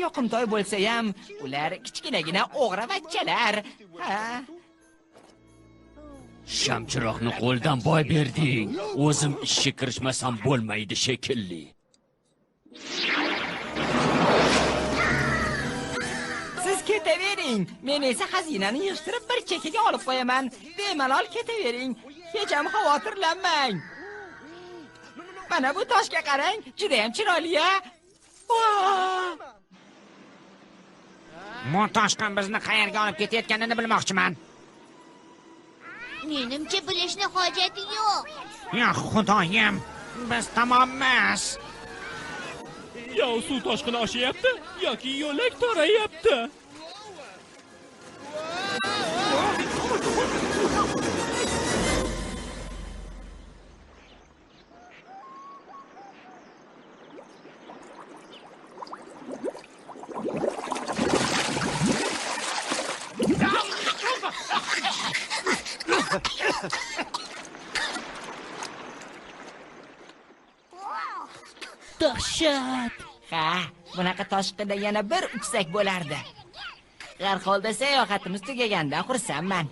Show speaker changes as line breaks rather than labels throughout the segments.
yoqimtoy bo'lsa ham, ular kichkinagina o'g'ravachchalar. Ha.
Shamchiroqni qo'ldan boy berding. O'zim ishga kirishmasam bo'lmaydi shekilli.
Siz ketavering. Men esa xazinani yig'ishtirib bir chekkaga olib qo'yaman. Bemalol ketavering. Hech ham xavotirlanmang. Mana bu toshga qarang, juda ham chiroyli-a.
Bu toshqin bizni qayerga olib ketayotganini bilmoqchiman.
Menimcha bilishni hojati yo'q.
Ya xudoyim, biz tamommiz.
Yo suv toshqini oshyapti yoki yo'lak torayapti.
Dahshat. Ha, bunaqa toshqinda yana bir uchsak bo'lardi. Har holda sayohatimiz tugagandan xursandman.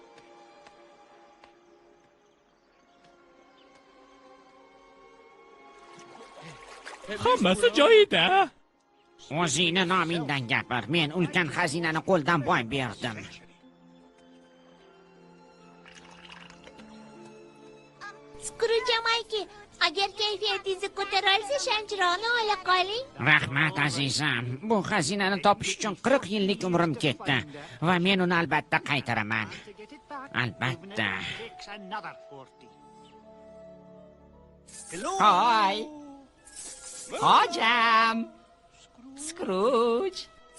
Hammasi joyida.
O'zingni nomingdan gapir. Men ulkan xazinani qo'ldan boy berdim.
Skrujamayki, agar kayfiyatingizni ko'tara olsa, shamchiroqni ola qoling.
Rahmat azizam. Bu xazinani topish uchun 40 yillik umrim ketdi va men uni albatta qaytaraman. Albatta.
Hoy. Hojam. Skruj.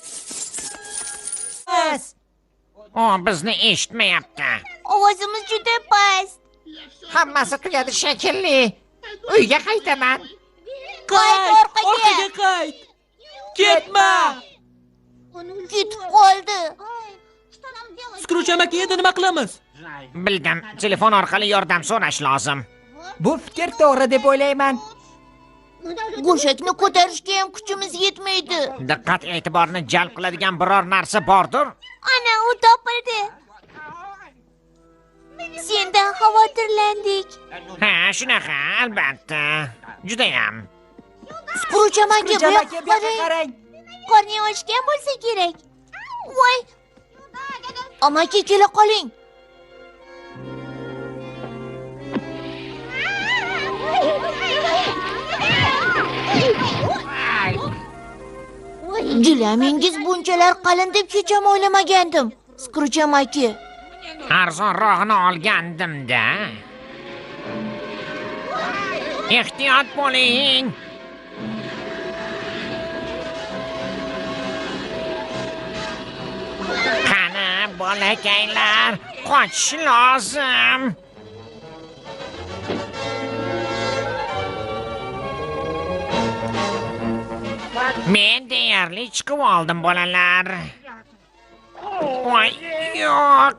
O bizni eshitmayapti.
Ovozimiz juda past.
Hammasi tugadi shekilli. Uyga qaytaman.
Qayt orqaga.
Qayt. Ketma.
Ketib qoldi.
Skruj amaki, endi nima qilamiz?
Bildim. Telefon orqali yordam so'rash lozim.
Bu fikr to'g'ri deb o'ylayman.
Go'shakni ko'tarishga ham kuchimiz yetmaydi.
Diqqat e'tiborni jalb qiladigan biror narsa bordir?
Ana, u topildi. Sendan xavotirlandik.
Ha, shunaqa, albatta. Judayam.
Skruj amaki, bu yoqqa qarang. Qorning ochgan bo'lsa kerak. Voy. Amaki, kela qoling. Gilamingiz bunchalar qalin deb hech ham o'ylamagandim. Skruj amaki.
Arzonrog'ini olgandim-da. Ehtiyot bo'ling. Qani, bolakaylar, qochish lozim. Men deyarli chiqib oldim, bolalar. Voy, yo'q.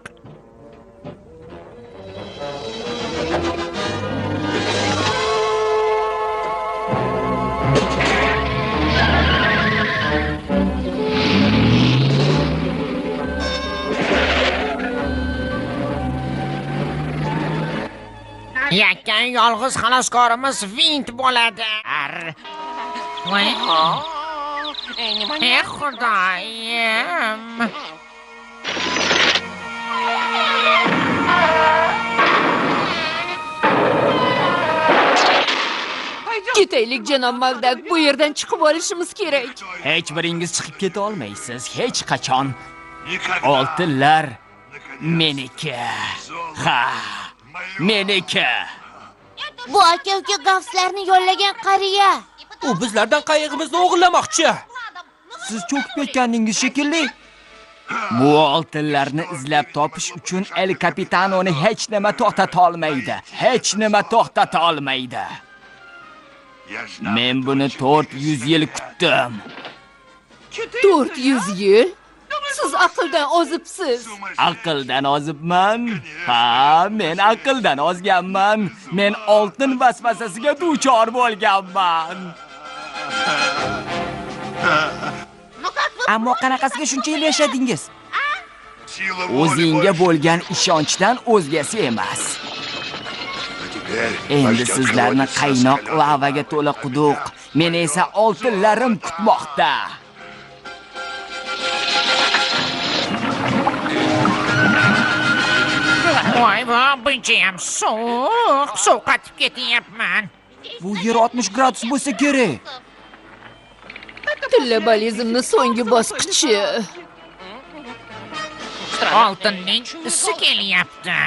Yakkan yolg'iz xaloskorimiz Vint bo'ladi. Voy. Ey xudoyim.
Ketaylik janob Magdak, bu yerdan chiqib olishimiz kerak.
Hech biringiz chiqib keta olmaysiz, hech qachon. Oltinlar meniki. Ha, meniki.
Bu aka-uka gafslarni yollagan qariya.
U bizlardan qayig'imizni o'g'irlamoqchi. Siz cho'kib ketganingiz shekilli. Bu oltinlarni izlab topish uchun El Capitanoni hech nima to'xtata olmaydi. Hech nima to'xtata olmaydi. Men buni 400 yil kutdim.
400 yil? Siz aqldan ozibsiz.
Aqldan ozibman? Ha, men aqldan ozganman. Men oltin vasvasasiga duchor bo'lganman. Ammo qanaqasiga shuncha yil yashadingiz? O'zingga bo'lgan ishonchdan o'zgasi emas. Endi sizlarni qaynoq lavaga to'la quduq, meni esa oltinlarim kutmoqda.
Voy, bunchayam suv qatib ketyapman.
Bu yer 60 gradus bo'lsa kerak.
Tillabalizmni so'nggi bosqichi.
Oltinning isi kelyapti.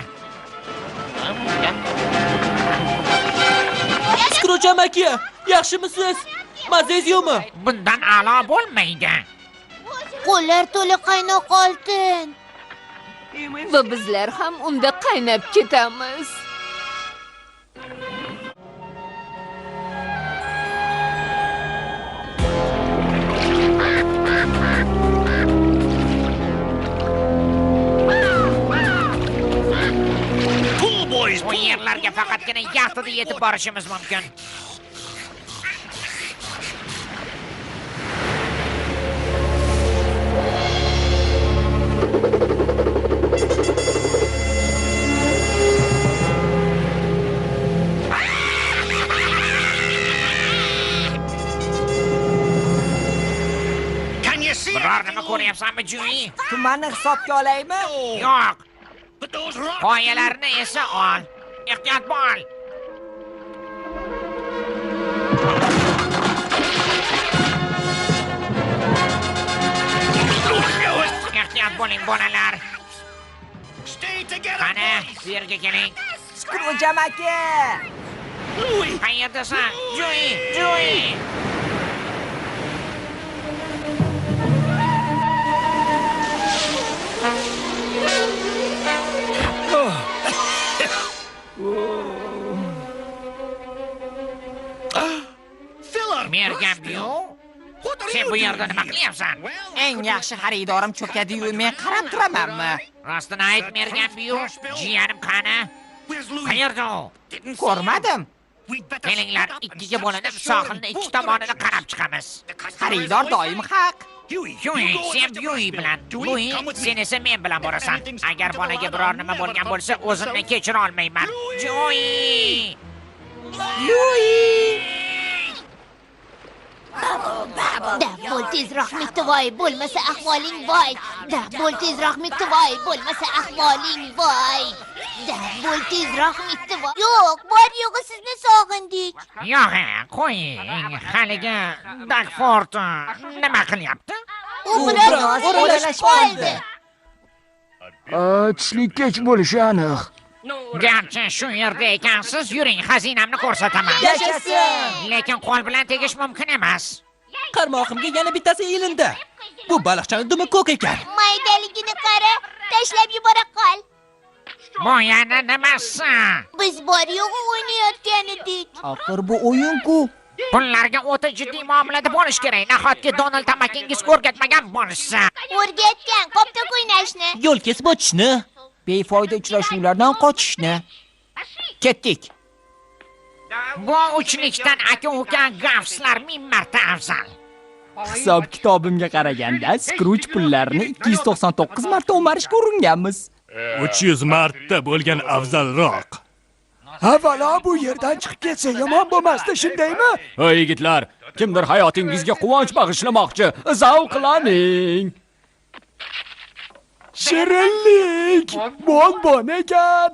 Skruj amaki, yaxshimisiz? Mazangiz yo'qmi?
Bundan a'lo bo'lmaydi.
Qo'llar to'la qaynoq oltin.
Va bizlar ham unda qaynab ketamiz.
Bu yerlarga faqatgina yaxtada yetib borishimiz mumkin. Biror nima ko'ryapsanmi, Joey?
Tumanni hisobga olaymi?
Yo'q. Qoyalarni esa ol. Ehtiyot bo'l. Ehtiyot bo'ling, bolalar. Qani, bu yerga keling.
Skruj amaki.
Qayerdasan? Joey. Mergan-yu, sen bu yerda nima qilyapsan?
Eng yaxshi xaridorim cho'kadi-yu, men qarab turamanmi?
Rostini ayt, Mergan-yu, jiyanim qani? Qayerda u?
Ko'rmadim.
Kelinglar, ikkiga bo'linib, sohilni ikki tomonini qarab chiqamiz.
Xaridor doim haq.
Joey, sen Joey bilan, Louis, sen esa men bilan borasan. Agar bolaga biror nima bo'lgan bo'lsa, o'zimni kechira olmayman. Joey!
Bo'l tezroq mitvoy, bo'lmasa ahvoling voy. Bo'l tezroq mitvoy, bo'lmasa ahvoling voy. Bo'l tezroq mitvoy. Yo'q, bor yo'g'i sizni sog'indik.
Yo'q, qo'ying. Haligi Dagford nima qilyapti?
U biroz o'ralashib qoldi.
Tushlik kech bo'lishi aniq.
Garchi shu yerda ekansiz, yuring, xazinamni ko'rsataman.
Yashasin!
Lekin qo'l bilan tegish mumkin emas.
Qarmoqimga yana bittasi ilindi. Bu baliqchani dumi ko'k ekan.
Maydaligini qara, tashlab yubora qol.
Bu yana nimasi?
Biz bor yo'g'i o'ynayotgan edik.
Axir bu o'yin-ku.
Pullarga o'ta jiddiy muomalada bo'lish kerak. Nahotki Donald tamakingiz o'rgatmagan bo'lsa.
O'rgatgan, qopda o'ynashni.
Yo'l kesib o'tishni.
Befoyda uchrashuvlardan qochishni. Ketdik.
Bu uchlikdan aka-uka gafslar 1000 marta afzal.
Hisob kitobimga qaraganda Skruj pullarni 299 marta o'marishga uringanmiz.
300 marta bo'lgan afzalroq.
Avvalo bu yerdan chiqib ketsa yomon bo'lmasdi, shundaymi?
Ey yigitlar, kimdir hayotingizga quvonch bag'ishlamoqchi, zavqlaning.
Shirinlik, bonbon ekan.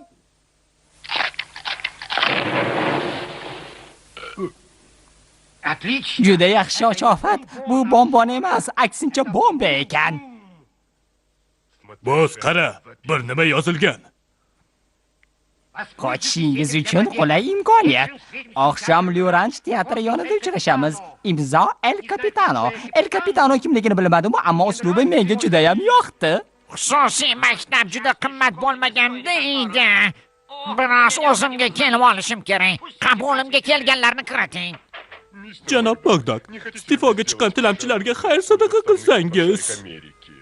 Juda yaxshi oshofat. Bu bonbon emas, aksincha bomba ekan.
Bo'z qara, bir nima yozilgan.
Qochishingiz uchun qulay imkoniyat. Oqshom Lyuranch teatri yonida uchrashamiz. Imzo El Capitano. El Capitano kimligini bilmadim, ammo uslubi menga juda ham yoqdi.
Xususiy maktab juda qimmat bo'lmaganda edi. Biroz o'zimga kelib olishim kerak. Qabulimga kelganlarni kiriting.
Janob Bagdod, iste'foga chiqqan tilamchilarga xayr sadaqa qilsangiz.